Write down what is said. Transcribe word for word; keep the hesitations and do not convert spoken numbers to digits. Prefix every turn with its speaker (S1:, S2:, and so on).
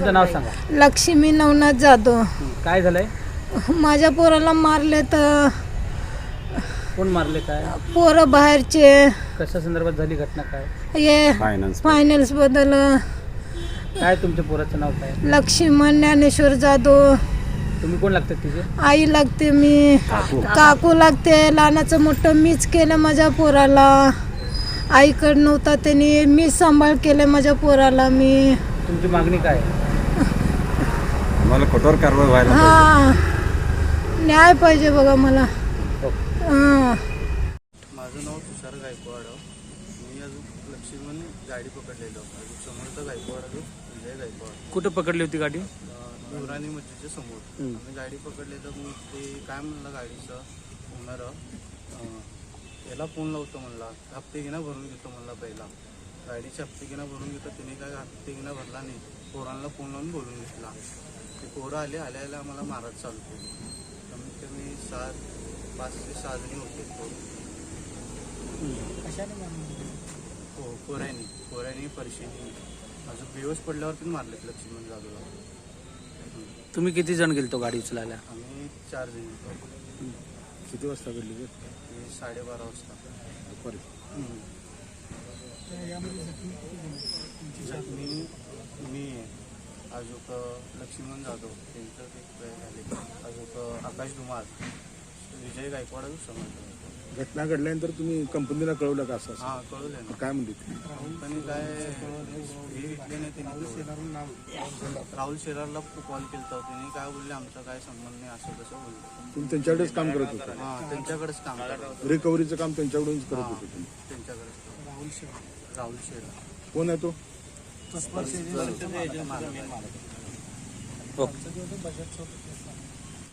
S1: तुमचं नाव सांगा.
S2: लक्ष्मी नवनाथ जाधव.
S1: काय झालंय?
S2: माझ्या पोराला मारले तर.
S1: कोण मारले? काय
S2: पोरं बाहेरचे.
S1: कशा संदर्भात झाली घटना? काय
S2: हे फायनान्स बद्दल.
S1: काय तुमच्या पोराचं नाव काय?
S2: लक्ष्मण ज्ञानेश्वर जाधव.
S1: तुम्ही कोण लागतात तिचे?
S2: आई लागते मी. काकू लागते. लहानाचं मोठं मीच केलं माझ्या पोराला. आईकडं नव्हता त्यांनी मीच सांभाळ केलं माझ्या पोराला मी.
S1: तुमची मागणी काय?
S3: मला कठोर कारवाई व्हायला
S2: हा न्याय पाहिजे बघा मला. हां
S4: माझं नाव तुषार गायकवाड. मी अजून लक्ष्मण गाडी पकडलेलो. अजून समोरचा गायकवाड अजून विजय गायकवाड.
S1: कुठं पकडली होती गाडी?
S4: देवराणी मस्जिदच्या समोर आम्ही गाडी पकडले. तर मी ते काय म्हणलं गाडीचं ओनर याला फोन लावतो म्हणला. हप्ते घेणं भरून घेतो म्हणला. पहिला गाडीचे हप्ते घेणं भरून घेतो. तिने काय हप्ते घेणं भरला नाही. पोरांना फोन लावून बोलून घेतला. ते पोरं आले. आल्याला आम्हाला मारत चालू केली. कमीत कमी सात पाच ते सहा जणी होते पोरं. हो पोऱ्यानी पोऱ्यानी परिशीनी अजून बेवस पडल्यावरती मारलेत लक्ष्मण जाधवला.
S1: तुम्ही किती जण गेलतो गाडी उचलायला?
S4: आम्ही चार जण होतो.
S3: किती वाजता घडली?
S4: साडेबारा वाजता. जखमी मी अजून लक्ष्मण जाधव त्यांचं ते झाले. अजून आकाश धुमाळ विजय गायकवाड समजलं.
S3: घटना घडल्यानंतर तुम्ही कंपनीला कळवलं का? असं
S4: हां कळवलं ना.
S3: काय म्हणले?
S4: कंपनी काय हे विकले नाही त्यांनी. राहुल शेलारला कॉल केला होता. त्यांनी काय बोलले आमचा काय संबंध नाही असं कसं बोलले.
S3: तुम्ही त्यांच्याकडेच काम करत होता?
S4: हां त्यांच्याकडेच काम करत.
S3: रिकव्हरीचं काम त्यांच्याकडूनच करत होते तुम्ही?
S4: त्यांच्याकडेच. राहुल शेलार. राहुल शेलार
S3: कोण आहे तो?
S1: ओके.